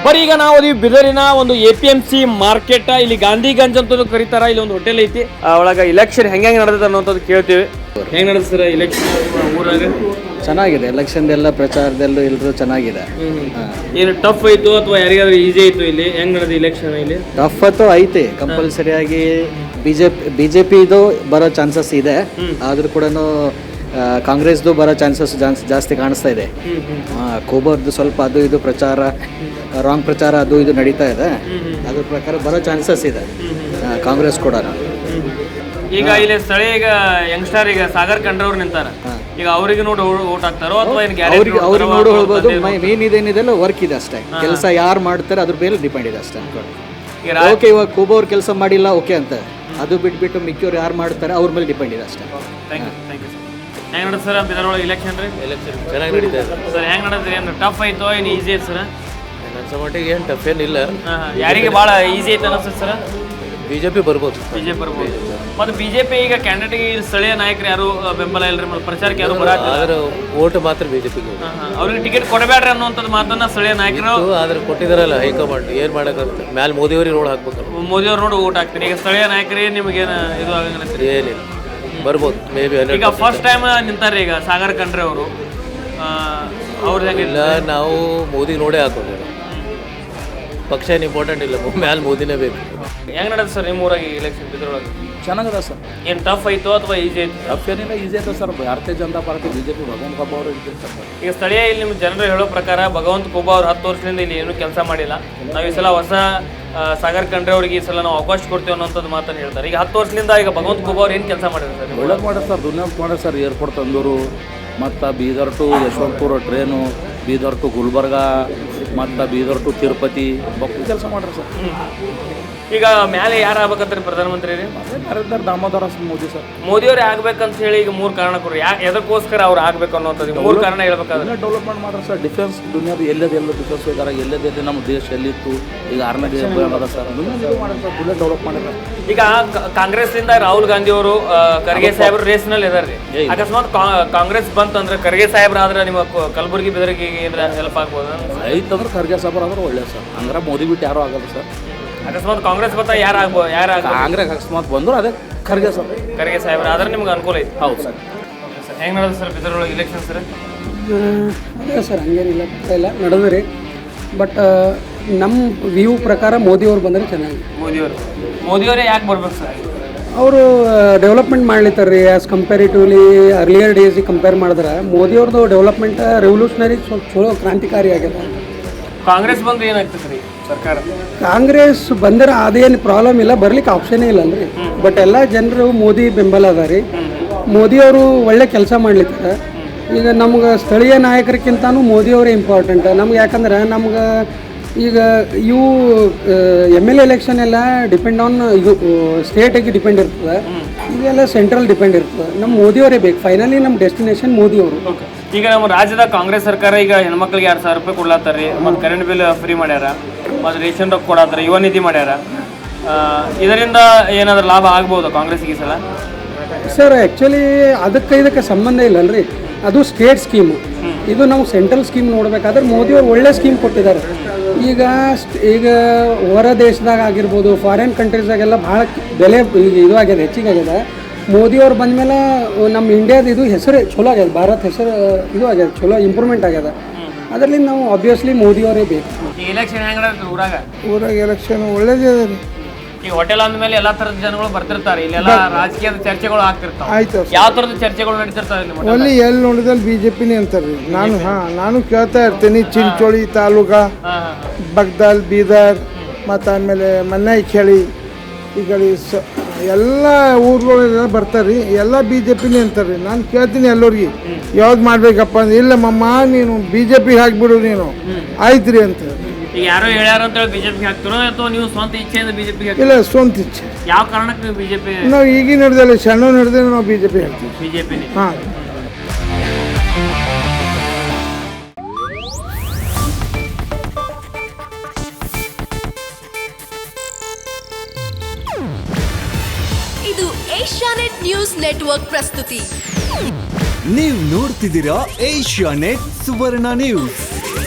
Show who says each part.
Speaker 1: ಬರೀ ಈಗ ನಾವು ಅದೀವಿ ಬಿದರಿನ ಒಂದು APMC ಮಾರ್ಕೆಟ್. ಇಲ್ಲಿ ಗಾಂಧಿಗಂಜ್ ಅಂತ ಕರೀತಾರ. ಇಲ್ಲಿ ಒಂದು ಹೋಟೆಲ್ ಐತಿ, ಒಳಗ ಇಲೆಕ್ಷನ್ ಹೆಂಗೆ ನಡೆದೈತೆ ಅನ್ನೋಂಥದ್ದು ಕೇಳ್ತೀವಿ. ಹೆಂಗ್ ನಡೆದ ಸರ್ ಇಲೆಕ್ಷನ್ ಊರಾಗ?
Speaker 2: ಚೆನ್ನಾಗಿದೆ. ಎಲೆಕ್ಷನ್ ಎಲ್ಲ ಪ್ರಚಾರದಲ್ಲೂ ಎಲ್ಲರೂ ಚೆನ್ನಾಗಿದೆ.
Speaker 1: ಏನು ಟಫ್ ಆಯ್ತು ಅಥವಾ ಯಾರಿಗಾದ್ರೂ ಈಸಿ ಆಯ್ತು? ಇಲ್ಲಿ ಹೆಂಗ್ ನಡೆದ ಇಲೆಕ್ಷನ್? ಇಲ್ಲಿ
Speaker 2: ಟಫ್ ಅಂತೂ ಐತೆ. ಕಂಪಲ್ಸರಿಯಾಗಿ ಬಿಜೆಪಿದು ಬರೋ ಚಾನ್ಸಸ್ ಇದೆ. ಆದ್ರೂ ಕೂಡ ಕಾಂಗ್ರೆಸ್ದು ಬರೋ ಚಾನ್ಸಸ್ ಜಾಸ್ತಿ ಕಾಣಿಸ್ತಾ ಇದೆ. ಕೋಬರ್ದು ಸ್ವಲ್ಪ ಅದು ಇದು ಪ್ರಚಾರ, ರಾಂಗ್ ಪ್ರಚಾರ ಅದು ಇದು ನಡೀತಾ ಇದೆ. ಅದ್ರ ಪ್ರಕಾರ ಬರೋ ಚಾನ್ಸಸ್ ಇದೆ ಕಾಂಗ್ರೆಸ್ ಕೂಡ.
Speaker 1: ಈಗ ಇಲ್ಲಿ ಸ್ಥಳೀಯ ಈಗ ಯಂಗ್ಸ್ಟರ್ ಈಗ ಸಾಗರ್ ಖಂಡ್ರೆ ಅವ್ರು ನಿಂತಾರ. ಈಗ ಅವ್ರಿಗೆ ನೋಡಿ ಓಟ್ ಹಾಕ್ತಾರೋ ಅಥವಾ
Speaker 2: ಅವ್ರಿಗೆ ನೋಡಿ ಹೇಳ್ಬೋದು. ಮೇನ್ ಇದೇನಿದೆಲ್ಲ ವರ್ಕ್ ಇದೆ ಅಷ್ಟೇ. ಕೆಲಸ ಯಾರು ಮಾಡ್ತಾರೆ ಅದ್ರ ಮೇಲೆ ಡಿಪೆಂಡ್ ಇದೆ ಅಷ್ಟೇ. ಓಕೆ, ಇವಾಗ ಕೋಬೋ ಅವ್ರು ಕೆಲಸ ಮಾಡಿಲ್ಲ ಓಕೆ ಅಂತ, ಅದು ಬಿಟ್ಬಿಟ್ಟು ಮಿಕ್ಕಿಯವ್ರು ಯಾರು ಮಾಡ್ತಾರೆ ಅವ್ರ ಮೇಲೆ ಡಿಪೆಂಡ್ ಇದೆ ಅಷ್ಟೇ.
Speaker 1: ಹೆಂಗ್ ನಡೆದ ಸರ್ ಬಿದರೊಳಗೆ ಇಲೆಕ್ಷನ್?
Speaker 3: ಎಲೆಕ್ಷನ್ ಚೆನ್ನಾಗಿ ನಡೀತಾ ಇದೆ
Speaker 1: ಸರ್. ಹೆಂಗ್ ನಡೆದ್ರಿ? ಏನು ಟಫ್ ಆಯ್ತು ಏನು ಈಸಿ ಐತೆ ಸರ್?
Speaker 3: ನನ್ನ ಮಟ್ಟಿಗೆ ಏನು ಟಫ್ ಏನಿಲ್ಲ.
Speaker 1: ಯಾರಿಗೆ ಭಾಳ ಈಸಿ ಐತೆ ಅನಿಸ್ತದೆ ಸರ್?
Speaker 3: ಬಿಜೆಪಿ ಬರ್ಬೋದು.
Speaker 1: ಬಿಜೆಪಿ ಬರ್ಬೋದು. ಮತ್ತು ಬಿಜೆಪಿ ಈಗ ಕ್ಯಾಂಡಿಡೇಟ್ಗೆ ಸ್ಥಳೀಯ ನಾಯಕರು ಯಾರು ಬೆಂಬಲ ಇಲ್ಲರಿ, ಮತ್ತು ಪ್ರಚಾರಕ್ಕೆ ಯಾರು ಬರಾಕಿಲ್ಲ.
Speaker 3: ಆದ್ರೆ ಓಟ್ ಮಾತ್ರ ಬಿಜೆಪಿಗೆ.
Speaker 1: ಅವ್ರಿಗೆ ಟಿಕೆಟ್ ಕೊಡಬೇಡ್ರಿ ಅನ್ನುವಂಥದ್ದು ಮಾತನ್ನ ಸ್ಥಳೀಯ ನಾಯಕರು
Speaker 3: ಆದ್ರೆ ಕೊಟ್ಟಿದಾರಲ್ಲ ಹೈಕಮಾಂಡ್. ಏನು ಮಾಡೋಕ್ಕಾಗುತ್ತೆ? ಮ್ಯಾಲೆ ಮೋದಿಯವ್ರಿಗೆ ರೋಡ್ ಹಾಕ್ಬೇಕಲ್ಲ.
Speaker 1: ಮೋದಿಯವ್ರು ನೋಡಿ ಓಟ್ ಹಾಕ್ತೀನಿ. ಈಗ ಸ್ಥಳೀಯ ನಾಯಕರಿಗೆ ನಿಮಗೇನು ಇದು ಆಗಂಗಿಲ್ಲ?
Speaker 3: ಏನಿಲ್ಲ, ಬರ್ಬೋದು ಮೇ ಬಿ.
Speaker 1: ಈಗ ಫಸ್ಟ್ ಟೈಮ್ ನಿಂತಾರೆ ಈಗ ಸಾಗರ್ ಖಂಡ್ರೆ ಅವರು. ಅವ್ರದ್ದು ಹೆಂಗಿಲ್ಲ,
Speaker 3: ನಾವು ಮೋದಿ ನೋಡೇ ಹಾಕೋದು. ಪಕ್ಷ ಏನು ಇಂಪಾರ್ಟೆಂಟ್ ಇಲ್ಲ, ಮ್ಯಾಲೆ ಮೋದಿನೇ ಬೇಕು.
Speaker 1: ಹೆಂಗ್ ನಡೆದ ಸರ್ ನಿಮ್ಮ ಊರಾಗಿ ಇಲೆಕ್ಷನ್ ಬಿದ್ರೊಳಗೆ?
Speaker 4: ಚೆನ್ನಾಗದ ಸರ್.
Speaker 1: ಏನು ಟಫ್ ಆಯಿತು ಅಥವಾ ಈಸಿ ಆಯ್ತು?
Speaker 4: ಟಫ್ ಏನಿಲ್ಲ, ಈಸಿ ಆಯ್ತು ಸರ್. ಭಾರತೀಯ ಜನತಾ ಪಾರ್ಟಿ ಬಿಜೆಪಿ ಭಗವಂತ ಖೋಬಾ ಅವರು ಇರ್ತಾರೆ.
Speaker 1: ಈಗ ಸ್ಥಳೀಯ ಇಲ್ಲಿ ನಿಮ್ಮ ಜನರು ಹೇಳೋ ಪ್ರಕಾರ ಭಗವಂತ ಖೋಬಾ ಅವ್ರು 10 ವರ್ಷದಿಂದ ಇಲ್ಲಿ ಏನೂ ಕೆಲಸ ಮಾಡಿಲ್ಲ. ನಾವು ಈ ಸಲ ಹೊಸ ಸಾಗರ್ ಖಂಡ್ರೆ ಅವ್ರಿಗೆ ಈ ಸಲ ನಾವು ಅವಕಾಶ ಕೊಡ್ತೀವಿ ಅನ್ನೋಂಥದ್ದು ಮಾತನ್ನು ಹೇಳ್ತಾರೆ. ಈಗ 10 ವರ್ಷದಿಂದ ಈಗ ಭಗವಂತ ಖೋಬಾ ಅವ್ರು ಏನು ಕೆಲಸ ಮಾಡಿದ್ರು ಸರ್?
Speaker 4: ಒಳ್ಳೇದು ಮಾಡ್ಯಾರ ಸರ್, ದುನಿಯಾದ ಮಾಡ್ಯಾರ ಸರ್. ಏರ್ಪೋರ್ಟ್ ತಂದೂರು, ಮತ್ತು Bidar to Yeshwantpur train, Bidar to Gulbarga, ಮತ್ತು ಬೀದರ್ ಟು ತಿರುಪತಿ ಬಕ್ಕು ಕೆಲಸ ಮಾಡ್ರಿ ಸರ್.
Speaker 1: ಈಗ ಮೇಲೆ ಯಾರು ಆಗ್ಬೇಕಂತಾರೆ ಪ್ರಧಾನಮಂತ್ರಿ?
Speaker 4: ನರೇಂದ್ರ ದಾಮೋದರ ಮೋದಿ ಸರ್.
Speaker 1: ಮೋದಿಯವ್ರು ಆಗ್ಬೇಕಂತ ಹೇಳಿ ಈಗ 3 ಕಾರಣ ಕೊಡ್ರಿ. ಎದಕ್ಕೋಸ್ಕರ ಅವ್ರು ಆಗ್ಬೇಕು ಅನ್ನೋಂಥದ್ದು 3 ಕಾರಣ ಹೇಳ್ಬೇಕಾದ್ರೆ?
Speaker 4: ಡೆವಲಪ್ಮೆಂಟ್ ಮಾಡ್ರಿ ಸರ್. ಡಿಫೆನ್ಸ್ ದುನಿಯಾದ ಎಲ್ಲೆಲ್ಲ ಡಿಫೆನ್ಸ್ ಹೋಗಾರ, ಎಲ್ಲೆಲ್ಲಿ ನಮ್ಮ ದೇಶ ಎಲ್ಲಿತ್ತು, ಈಗ 6ನೇ ದೇಶ ಅದ ಸರ್. ದುನಿಯಾದ ಮಾಡಿ ಸರ್, ದುನಿಯಾ ಡೆವಲಪ್ ಮಾಡಿದ್ರೆ.
Speaker 1: ಈಗ ಕಾಂಗ್ರೆಸ್ನಿಂದ ರಾಹುಲ್ ಗಾಂಧಿ ಅವರು ಖರ್ಗೆ ಸಾಹೇಬ್ರು ರೇಸ್ನಲ್ಲಿ ಇದಾರೆ. ಅಕಸ್ಮಾತ್ ಕಾಂಗ್ರೆಸ್ ಬಂತಂದ್ರೆ ಖರ್ಗೆ ಸಾಹೇಬ್ರ ಆದ್ರೆ ನಿಮ್ಮ ಕಲಬುರಗಿ ಬೆದರಿಗೆ ಏನಾರ ಹೆಲ್ಪ್ ಆಗ್ಬೋದು?
Speaker 4: ಐತಂದ್ರೆ ಖರ್ಗೆ ಸಾಹೇಬ್ರ ಆದ್ರೆ ಒಳ್ಳೆ ಸರ್. ಹಂಗಾರೆ ಮೋದಿ ಬಿಟ್ಟು ಯಾರು ಆಗಲ್ಲ ಸರ್.
Speaker 1: ಅಕಸ್ಮಾತ್ ಕಾಂಗ್ರೆಸ್ ಬಂತ ಯಾರು
Speaker 4: ಕಾಂಗ್ರೆಸ್ ಅಕಸ್ಮಾತ್ ಬಂದ್ರು ಅದೇ ಖರ್ಗೆ ಸರ್.
Speaker 1: ಖರ್ಗೆ ಸಾಹೇಬ್ರ ಆದ್ರೆ ನಿಮ್ಗೆ ಅನುಕೂಲ ಐತಿ.
Speaker 4: ಹೌದು ಸರ್.
Speaker 1: ಹೆಂಗೆ ನಡೆದ ಸರ್ ಬಿದರೊಳಗೆ ಇಲೆಕ್ಷನ್ ಸರ್?
Speaker 5: ಅದೇ ಸರ್, ಹಂಗೇನಿಲ್ಲ, ಇಲ್ಲ ನಡೆದ್ರಿ. ಬಟ್ ನಮ್ಮ ವ್ಯೂ ಪ್ರಕಾರ ಮೋದಿಯವ್ರು ಬಂದರೆ ಚೆನ್ನಾಗಿ.
Speaker 1: ಮೋದಿಯವರೇ ಯಾಕೆ ಬರ್ಬೇಕು ಸರ್?
Speaker 5: ಅವರು ಡೆವಲಪ್ಮೆಂಟ್ ಮಾಡ್ಲಿತ್ತಾರೆ ರೀ. ಆ್ಯಸ್ ಕಂಪೇರಿಟಿವ್ಲಿ ಅರ್ಲಿಯರ್ ಡೇಸಿಗೆ ಕಂಪೇರ್ ಮಾಡಿದ್ರೆ ಮೋದಿಯವ್ರದ್ದು ಡೆವಲಪ್ಮೆಂಟ್ ರೆವಲ್ಯೂಷನರಿ ಸ್ವಲ್ಪ ಚಲೋ ಕ್ರಾಂತಿಕಾರಿ ಆಗ್ಯದ.
Speaker 1: ಕಾಂಗ್ರೆಸ್ ಬಂದ್ರೆ ಏನಾಗ್ತದೆ ರೀ ಸರ್ಕಾರ?
Speaker 5: ಕಾಂಗ್ರೆಸ್ ಬಂದರೆ ಅದೇನು ಪ್ರಾಬ್ಲಮ್ ಇಲ್ಲ, ಬರ್ಲಿಕ್ಕೆ ಆಪ್ಷನೇ ಇಲ್ಲ ಅಲ್ರಿ. ಬಟ್ ಎಲ್ಲ ಜನರು ಮೋದಿ ಬೆಂಬಲ ಅದ ರೀ. ಮೋದಿಯವರು ಒಳ್ಳೆ ಕೆಲಸ ಮಾಡ್ಲಿತ್ತಾರೆ. ಈಗ ನಮ್ಗೆ ಸ್ಥಳೀಯ ನಾಯಕರಿಗಿಂತನೂ ಮೋದಿಯವರೇ ಇಂಪಾರ್ಟೆಂಟ್ ನಮ್ಗೆ. ಯಾಕಂದ್ರೆ ನಮ್ಗೆ ಈಗ ಇವು MLA ಎಲೆಕ್ಷನ್ ಎಲ್ಲ ಡಿಪೆಂಡ್ ಆನ್ ಇದು ಸ್ಟೇಟಿಗೆ ಡಿಪೆಂಡ್ ಇರ್ತದೆ. ಇದೆಲ್ಲ ಸೆಂಟ್ರಲ್ ಡಿಪೆಂಡ್ ಇರ್ತದೆ. ನಮ್ಮ ಮೋದಿಯವರೇ ಬೇಕು. ಫೈನಲಿ ನಮ್ಮ ಡೆಸ್ಟಿನೇಷನ್ ಮೋದಿಯವರು.
Speaker 1: ಈಗ ನಮ್ಮ ರಾಜ್ಯದ ಕಾಂಗ್ರೆಸ್ ಸರ್ಕಾರ ಈಗ ಹೆಣ್ಮಕ್ಳಿಗೆ 2,000 ರೂಪಾಯಿ ಕೊಡ್ಲಾತ್ತಾರ ರೀ. ಮತ್ತು ಕರೆಂಟ್ ಬಿಲ್ ಫ್ರೀ ಮಾಡ್ಯಾರ, ಮತ್ತು ರೇಷನ್ ರೊಕ್ಕ ಕೊಡತ್ತಾರ, ಯುವ ನಿಧಿ ಮಾಡ್ಯಾರ. ಇದರಿಂದ ಏನಾದರೂ ಲಾಭ ಆಗ್ಬೋದು ಕಾಂಗ್ರೆಸ್ಗೆ ಈ ಸಲ?
Speaker 5: ಸರ್ ಆ್ಯಕ್ಚುಲಿ ಅದಕ್ಕೆ ಇದಕ್ಕೆ ಸಂಬಂಧ ಇಲ್ಲಲ್ರಿ. ಅದು ಸ್ಟೇಟ್ ಸ್ಕೀಮು. ಇದು ನಾವು ಸೆಂಟ್ರಲ್ ಸ್ಕೀಮ್ ನೋಡಬೇಕಾದ್ರೆ ಮೋದಿಯವರು ಒಳ್ಳೆ ಸ್ಕೀಮ್ ಕೊಟ್ಟಿದ್ದಾರೆ. ಈಗ ಹೊರ ದೇಶದಾಗ ಆಗಿರ್ಬೋದು, ಫಾರಿನ್ ಕಂಟ್ರೀಸ್ದಾಗೆಲ್ಲ ಭಾಳ ಬೆಲೆ ಈಗ ಇದು ಆಗ್ಯದ, ಹೆಚ್ಚಿಗೆ ಆಗ್ಯದ. ಮೋದಿಯವ್ರು ಬಂದಮೇಲೆ ನಮ್ಮ ಇಂಡಿಯಾದ ಇದು ಹೆಸರು ಚಲೋ ಆಗ್ಯದ, ಭಾರತ್ ಹೆಸರು ಇದು ಆಗ್ಯದ, ಚಲೋ ಇಂಪ್ರೂವ್ಮೆಂಟ್ ಆಗ್ಯದ. ಅದರಲ್ಲಿ ನಾವು ಆಬ್ವಿಯಸ್ಲಿ ಮೋದಿಯವರೇ ಬೇಕು.
Speaker 1: ಈ ಎಲೆಕ್ಷನ್ ಹೆಂಗೆ ಊರಾಗ?
Speaker 6: ಊರಾಗ ಎಲೆಕ್ಷನ್ ಒಳ್ಳೇದೇ ಅದ ರೀ.
Speaker 1: ಈ ಹೋಟೆಲ್ ಅಂದಮೇಲೆ ಎಲ್ಲ ಥರದ ಜನಗಳು ಬರ್ತಿರ್ತಾರೆ. ಇಲ್ಲೆಲ್ಲ ರಾಜಕೀಯದ ಚರ್ಚೆಗಳು ಆಗ್ತಿರ್ತಾವೆ.
Speaker 6: ಆಯ್ತು.
Speaker 1: ಯಾವ ಥರದ ಚರ್ಚೆಗಳು ನಡೀತಿರ್ತಾವೆ?
Speaker 6: ಅಲ್ಲಿ ಎಲ್ಲಿ ನೋಡಿದಲ್ಲಿ BJPನೇ ಅಂತಾರ್ರಿ. ನಾನು ಕೇಳ್ತಾ ಇರ್ತೀನಿ. ಚಿಂಚೋಳಿ ತಾಲೂಕಾ, ಬಗ್ದಾಲ್, ಬೀದರ್, ಮತ್ತು ಆಮೇಲೆ ಮನ್ನಾಯಿಖೇಳಿ, ಈ ಕಡೆ ಎಲ್ಲ ಊರುಗಳೆಲ್ಲ ಬರ್ತಾರೆ. ಎಲ್ಲ BJPನೇ ಅಂತಾರೆ. ನಾನು ಕೇಳ್ತೀನಿ ಎಲ್ಲರಿಗೆ ಯಾವ್ದು ಮಾಡ್ಬೇಕಪ್ಪ ಅಂದ್ರೆ, ಇಲ್ಲ ಮಮ್ಮ ನೀನು BJP ಹಾಕ್ಬಿಡು ನೀನು, ಆಯ್ತು ರೀ ಅಂತ.
Speaker 1: ಈಗ ಯಾರೋ ಹೇಳ್ಯಾರ ಅಂತ ಹೇಳಿ ಬಿಜೆಪಿ ಹಾಕ್ತಿರೋ ಅಥವಾ ನೀವು ಸ್ವಂತ ಇಚ್ಛೆಯಿಂದ ಬಿಜೆಪಿ?
Speaker 6: ಇಲ್ಲ, ಸ್ವಂತ ಇಚ್ಛೆ.
Speaker 1: ಯಾವ ಕಾರಣಕ್ಕೆ ನೀವು ಬಿಜೆಪಿ?
Speaker 6: ನಾವು ಈಗಿನ ನಡೆದಲ್ಲಿ ಸಣ್ಣ ನಡೆದ್ರೆ ನಾವು BJP ಹಾಕ್ತೀವಿ.
Speaker 1: ಬಿಜೆಪಿನೇ?
Speaker 6: ಹಾಂ.
Speaker 7: ಇದು ಏಷ್ಯಾನೆಟ್ ನ್ಯೂಸ್ ನೆಟ್ವರ್ಕ್ ಪ್ರಸ್ತುತಿ.
Speaker 8: ನೀವು ನೋಡ್ತಿದ್ದೀರಾ ಏಷ್ಯಾನೆಟ್ ಸುವರ್ಣ ನ್ಯೂಸ್.